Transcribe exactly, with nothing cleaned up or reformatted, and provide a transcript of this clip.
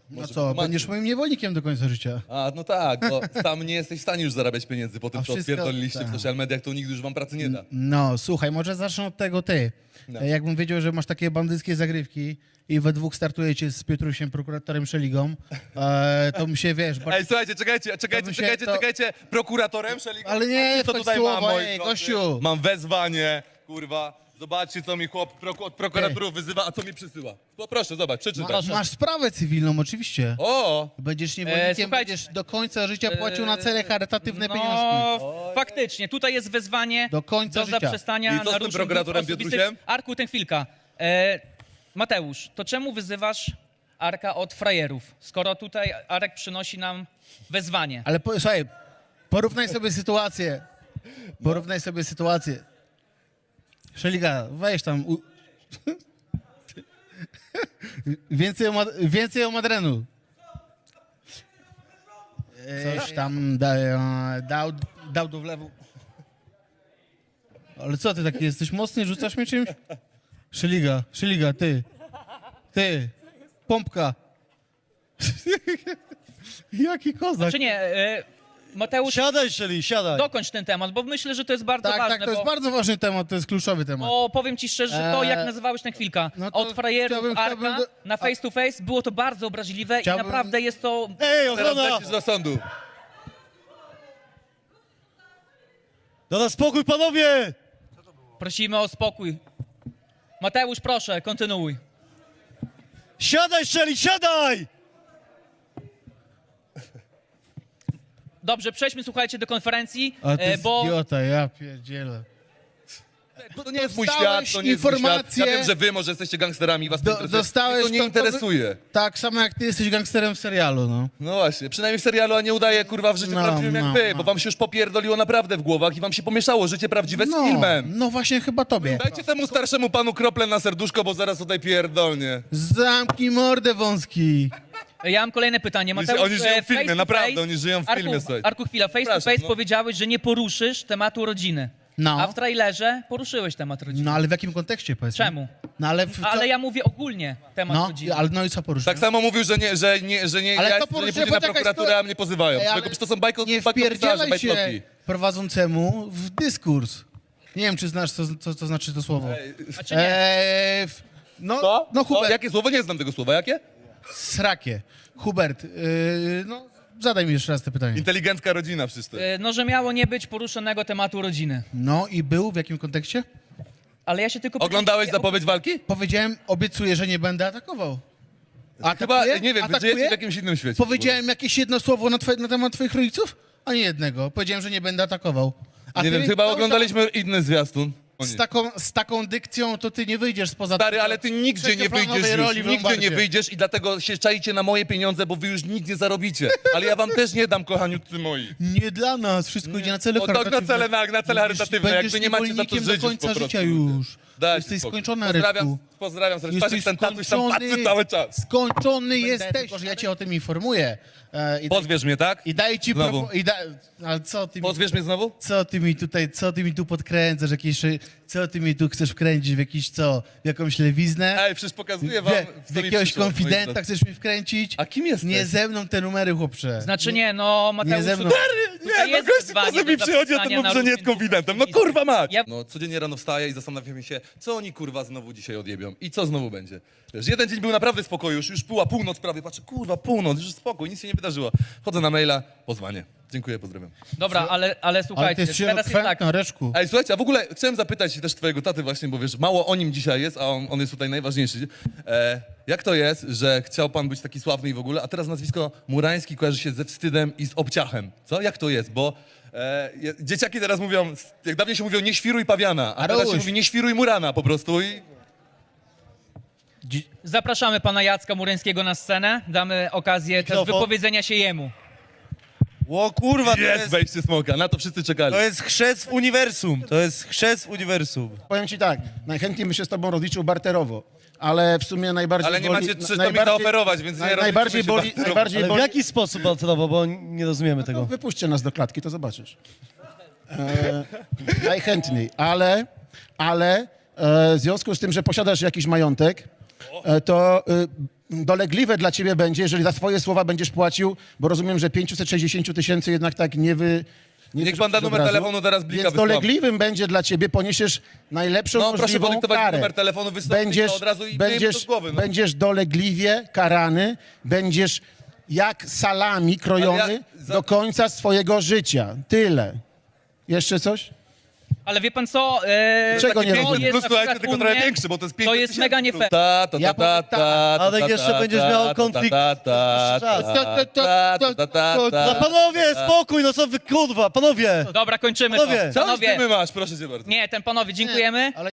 No Może co, wytłumaczył. będziesz moim niewolnikiem do końca życia. A, no tak, bo sam nie jesteś w stanie już zarabiać pieniędzy po tym, A co wszystko- odpierdoliliście w tak. social mediach, to nigdy już wam pracy nie da. No, słuchaj, może zacznę od tego ty. No. E, Jakbym wiedział, że masz takie bandyckie zagrywki i we dwóch startujecie z Piotrusiem, prokuratorem Szeligą, e, to mi się, wiesz... Bar... Ej, słuchajcie, czekajcie, czekajcie, bym się czekajcie, to- czekajcie, prokuratorem Szeliga? Ale nie, Patrzcie, co wchodź tutaj słowo, mam, moi ej, drodzy. gościu. Mam wezwanie, kurwa. Zobaczcie, co mi chłop prok od prokuratorów wyzywa, a co mi przysyła. No proszę, zobacz, przeczytaj. Masz, masz sprawę cywilną, oczywiście. O! Będziesz niewolnikiem, E, słuchajcie, będziesz do końca życia płacił na cele charytatywne pieniążki. No, faktycznie, tutaj jest wezwanie Do końca do życia. zaprzestania I co z tym naruszeń prokuratorem dóbr osobistych. Piotrusiem? Arku, ten chwilka. E, Mateusz, to czemu wyzywasz Arka od frajerów, skoro tutaj Arek przynosi nam wezwanie? Ale po, słuchaj, porównaj sobie sytuację. Porównaj sobie sytuację. Szeliga, weź tam. U... więcej, o, więcej o Madrenu. Coś tam da, dał, dał do wlewu. Ale co ty taki jesteś mocny? Rzucasz mnie czymś? Szeliga, Szeliga, ty. Ty. Pompka. Jaki kozak. Czy nie, e, Mateusz, Siadaj, Szeli, siadaj. dokończ ten temat, bo myślę, że to jest bardzo Tak, ważne. tak, to jest bo, bardzo ważny temat, to jest kluczowy temat. bo powiem ci szczerze, że to Eee, jak nazywałeś na chwilkę no to od frajerów chciałbym- Arka chciałbym do- na face to face, było to bardzo obraźliwe Chciałbym- i naprawdę jest to... Ej, Teraz ochrona! lecisz do sądu. Dada spokój, panowie! Prosimy o spokój. Mateusz, proszę, kontynuuj. Siadaj, Szeli, siadaj! Dobrze, przejdźmy, słuchajcie, do konferencji, A ty e, jest bo idiota, ja pierdzielę. To nie jest mój Dostałeś świat, to nie jest mój świat. informację- Ja wiem, że wy może jesteście gangsterami, was to Do, interesuje. dostałeś Mnie to nie tą- interesuje. Tak samo jak ty jesteś gangsterem w serialu, no. No właśnie, przynajmniej w serialu, a nie udaje kurwa w życiu No, prawdziwym jak no, wy, no. bo wam się już popierdoliło naprawdę w głowach i wam się pomieszało życie prawdziwe z No, filmem. no właśnie chyba tobie. Dajcie temu starszemu panu kroplę na serduszko, bo zaraz tutaj pierdolnie. Zamknij mordę wąski. ja mam kolejne pytanie. Oni- Mateusz, oni żyją e, w filmie, face to naprawdę, face- oni żyją w Arku, filmie, słuchaj. Arku, chwila, face to Przepraszam, face no. powiedziałeś, że nie poruszysz tematu rodziny. No. A w trailerze poruszyłeś temat rodziny. No ale w jakim kontekście powiedz? mi? Czemu? No ale... W, co- Ale ja mówię ogólnie temat No, rodziny. ale no i co poruszysz? Tak samo mówił, że nie, że nie, że nie, Ale ja, to że nie poruszyłem, pójdzie na poczekaj, prokuraturę, sto- a mnie pozywają. Ej, ale Tylko to są bajko, nie bajkopisarze, wpierdzielaj się bajtloki. prowadzącemu w dyskurs. Nie wiem, czy znasz, co, co to znaczy to słowo. A czy nie? Eee, w- no, Co? no Co? Hubert, Jakie słowo? Nie znam tego słowa. Jakie? srakie. Hubert, yy, no zadaj mi jeszcze raz te pytanie. Inteligencka rodzina przecież to. E, No, że miało nie być poruszonego tematu rodziny. No i był w jakim kontekście? Ale ja się tylko... Oglądałeś ja- zapowiedź walki? Powiedziałem, obiecuję, że nie będę atakował. Chyba, Atakuję? nie wiem, wy Atakuję? żyjecie w jakimś innym świecie. Powiedziałem jakieś jedno słowo na, twoje, na temat twoich rodziców? Ani jednego. Powiedziałem, że nie będę atakował. A Nie ty wiem, chyba cały oglądaliśmy inny zwiastun. O czas nie. Z taką, z taką dykcją to ty nie wyjdziesz spoza... Stary, ale ty nigdzie nie trzecioplanowej wyjdziesz roli już, w nigdzie nie Lombardzie. wyjdziesz i dlatego się czaicie na moje pieniądze, bo wy już nic nie zarobicie. Ale ja wam też nie dam, kochaniutcy moi. Nie dla nas, wszystko idzie na cele O, tak, na charytatywne. cele, na, na cele Będziesz- charytatywne, jak będziesz wy nie macie za to niewolnikiem żyć do już końca po prostu. życia już. Dajcie Jesteś spokój. skończona, Pozdrawiam, Rybku. pozdrawiam serdecznie. Patrz, Jesteś jak ten tatuś tam patrzy cały czas. Skończony jesteś. Tylko, że ja cię o tym informuję. E, i, Pozwiesz mnie, tak? I daję ci... Znowu. Propo- i da, ale co ty mi... Pozwiesz mnie znowu? Co ty mi tutaj, co ty mi tu podkręcasz, jakieś, co ty mi tu chcesz wkręcić w jakiś co, w jakąś lewiznę? Ej, przecież pokazuję wam, Wie, co w mi jakiegoś przyszło, moi konfidenta drodzy. chcesz mi wkręcić? A kim jesteś? Nie ze mną te numery, chłopcze. Znaczy nie, no Mateusz... Nie ze mną. tutaj Nie, no jest gościu wezwanie poza mi do przychodzi, a ten zaprzestania mówi, że nie jest naruszeń konfidentem. No dóbr kurwa mać! Ja- No codziennie rano wstaję i zastanawiam się, co oni kurwa znowu dzisiaj odjebią i co znowu będzie. Wiesz, jeden dzień był naprawdę w spokoju, już, już była północ prawie, patrzę, kurwa, północ, już spokój, nic się nie wydarzyło. Wchodzę na maila, pozwanie. Dziękuję, pozdrawiam. Dobra, ale, ale Ale to słuchajcie, jest teraz jest tak. na reszku. Ej, słuchajcie, a w ogóle chciałem zapytać też twojego taty właśnie, bo wiesz, mało o nim dzisiaj jest, a on, on jest tutaj najważniejszy. E, jak to jest, że chciał pan być taki sławny i w ogóle, a teraz nazwisko Murański kojarzy się ze wstydem i z obciachem? Co? Jak to jest? Bo e, je- dzieciaki teraz mówią, jak dawniej się mówią, nie świruj pawiana, a teraz się Aruś. mówi, nie świruj Murana po prostu i... Dzi- Zapraszamy pana Jacka Muryńskiego na scenę. Damy okazję też Mikrofon. wypowiedzenia się jemu. O kurwa, to Jest jest, wejście smoka, na to wszyscy czekali. to jest chrzest w uniwersum. To jest chrzest w uniwersum. Powiem ci tak, najchętniej bym się z tobą rozliczył barterowo, ale w sumie najbardziej Ale nie boli... macie na- czym mi zaoferować, więc nie naj, najbardziej rozliczymy się boli, barterowo. najbardziej Ale w boli... jaki sposób alternowo, bo nie rozumiemy No, tego. wypuśćcie nas do klatki, to zobaczysz. E, najchętniej, ale, ale e, w związku z tym, że posiadasz jakiś majątek, e, to e, dolegliwe dla ciebie będzie, jeżeli za swoje słowa będziesz płacił, bo rozumiem, że pięćset sześćdziesiąt tysięcy jednak tak nie wy... Nie Niech pan da wyrzucisz numer od razu. telefonu, teraz blika Więc wysyłam. dolegliwym będzie dla ciebie, poniesiesz najlepszą No, proszę możliwą podyktować karę. numer telefonu, wystąpić będziesz, to od razu i myjmy to będziesz, z głowy, no. będziesz dolegliwie karany, będziesz jak salami krojony Ale ja- za- do końca swojego życia. Tyle. Jeszcze coś? Ale wie pan co? E, Czego to nie rozumiem? jest Plus, na słuchajcie, przykład tylko u trochę mnie- większy, bo to jest To pięćset jest mega nie fair. Ta, ta, Ja ta, ta, powiem tak. ta, Adek, ta, jeszcze ta, będziesz ta, miał ta, konflikt. ta, ta, ta, ta, ta, ta, ta, ta. No panowie, spokój, no co wy, kurwa, panowie! Dobra, kończymy Panowie. to. Co Panowie, my masz, proszę cię bardzo. nie, ten panowie, dziękujemy. Ale